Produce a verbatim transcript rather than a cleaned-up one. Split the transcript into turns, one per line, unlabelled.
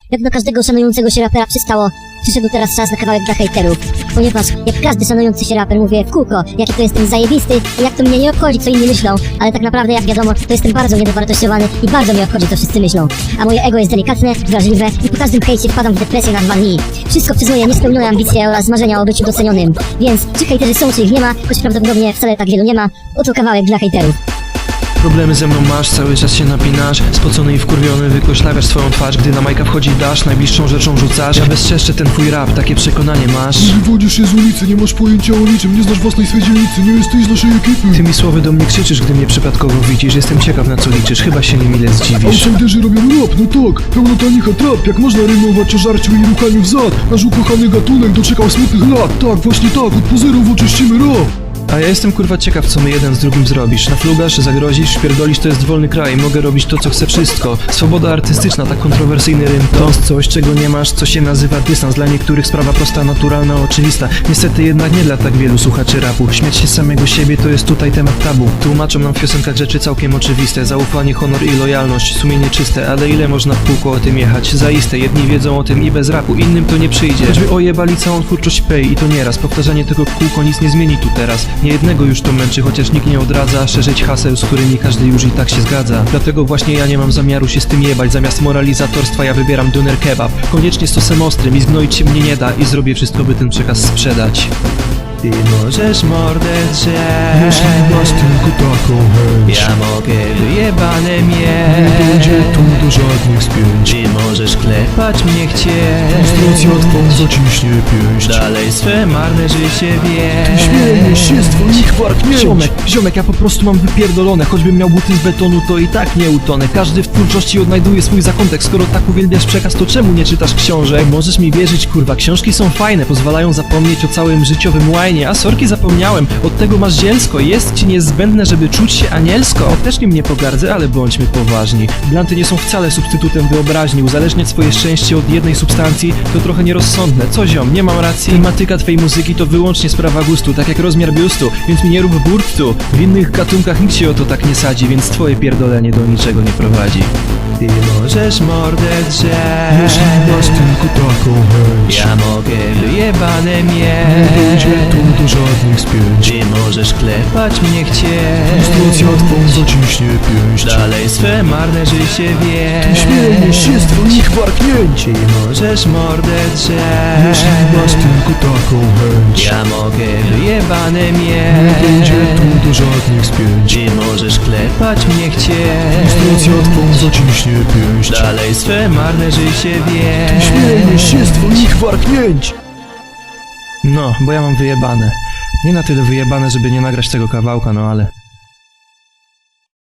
Jak do każdego szanującego się rapera przystało, przyszedł teraz czas na kawałek dla hejterów. Ponieważ jak każdy szanujący się raper mówię w kółko, jaki to jestem zajebisty i jak to mnie nie obchodzi, co inni myślą, ale tak naprawdę jak wiadomo, to jestem bardzo niedowartościowany i bardzo mnie obchodzi, co wszyscy myślą. A moje ego jest delikatne, wrażliwe i po każdym hejcie wpadam w depresję na dwa dni. Wszystko przez moje niespełnione ambicje oraz marzenia o byciu docenionym. Więc czy hejterzy są, czy ich nie ma, choć prawdopodobnie wcale tak wielu nie ma, oto kawałek dla hejterów.
Problemy ze mną masz, cały czas się napinasz. Spocony i wkurwiony wykoślawiasz swoją twarz. Gdy na majka wchodzi dasz, najbliższą rzeczą rzucasz. Ja bezczeszczę ten twój rap, takie przekonanie masz.
Nie wywodzisz się z ulicy, nie masz pojęcia o niczym, nie znasz własnej swej dzielnicy, nie jesteś z naszej ekipy.
Ty mi słowy do mnie krzyczysz, gdy mnie przypadkowo widzisz. Jestem ciekaw, na co liczysz, chyba się niemile zdziwisz.
Outsiderzy robią rap, no tak, pełno tanicha trap. Jak można rymować o żarciu i ruchaniu w zad? Nasz ukochany gatunek doczekał smutnych lat. Tak, właśnie tak, od pozerów oczyścimy rap.
A ja jestem kurwa ciekaw, co my jeden z drugim zrobisz. Naflugasz, zagrozisz, pierdolisz, to jest wolny kraj. Mogę robić to, co chcę, wszystko. Swoboda artystyczna, tak kontrowersyjny rym. To coś, czego nie masz, co się nazywa dystans. Dla niektórych sprawa prosta, naturalna, oczywista. Niestety jednak nie dla tak wielu słuchaczy rapu. Śmiać się z samego siebie to jest tutaj temat tabu. Tłumaczą nam w piosenkach rzeczy całkiem oczywiste. Zaufanie, honor i lojalność, sumienie czyste. Ale ile można w kółko o tym jechać? Zaiste, jedni wiedzą o tym i bez rapu, innym to nie przyjdzie. Choćby ojebali całą twórczość Pay i to nieraz. Powtarzanie tego w kółko nic nie zmieni tu teraz. Nie jednego już to męczy, chociaż nikt nie odradza szerzyć haseł, z którymi każdy już i tak się zgadza. Dlatego właśnie ja nie mam zamiaru się z tym jebać. Zamiast moralizatorstwa ja wybieram doner kebab. Koniecznie z sosem ostrym i zgnoić się mnie nie da. I zrobię wszystko, by ten przekaz sprzedać. Ty możesz mordę drzeć,
Jeśli masz tylko taką chęć,
ja mogę wyjebane
nie
mieć.
będzie tu do żadnych spięć.
Ty możesz klepać mnie chcieć,
Frustracja twą zaciśnie pięść.
dalej swe marne życie wie.
Śmiejesz się z twoich warknięć.
Ziomek, ziomek, ja po prostu mam wypierdolone. Choćbym miał buty z betonu, to i tak nie utonę. Każdy w twórczości odnajduje swój zakątek. Skoro tak uwielbiasz przekaz, to czemu nie czytasz książek? Możesz mi wierzyć, kurwa, książki są fajne, pozwalają zapomnieć o całym życiowym łajnie. A sorki, zapomniałem, od tego masz zielsko. Jest ci niezbędne, żeby czuć się anielsko. Ja też nim nie pogardzę, ale bądźmy poważni. Blanty nie są wcale substytutem wyobraźni. Uzależniać swoje szczęście od jednej substancji to trochę nierozsądne. Co ziom, nie mam racji? Tematyka twej muzyki to wyłącznie sprawa gustu, tak jak rozmiar biustu, więc mi nie rób burtu. W innych gatunkach nikt się o to tak nie sadzi, więc twoje pierdolenie do niczego nie prowadzi. Ty możesz mordę drzeć,
Jeśli masz tylko taką chęć,
ja mogę wyjebane
nie
mieć.
będzie tu do żadnych spięć.
Ty możesz klepać mnie chcieć,
Frustracja twą zaciśnie pięść.
dalej swe marne życie wie.
Śmiejesz się z twoich warknięć.
Ty możesz mordę
Jeśli
drzeć,
masz tylko taką chęć,
ja mogę wyjebane
nie będzie
mieć.
tu do żadnych spięć.
Ty możesz klepać mnie
Frustracja
chcieć,
twą zaciśnie pięść.
dalej swe marne życie wie.
Śmiejesz się z twoich warknięć.
No, bo ja mam wyjebane. Nie na tyle wyjebane, żeby nie nagrać tego kawałka, no ale...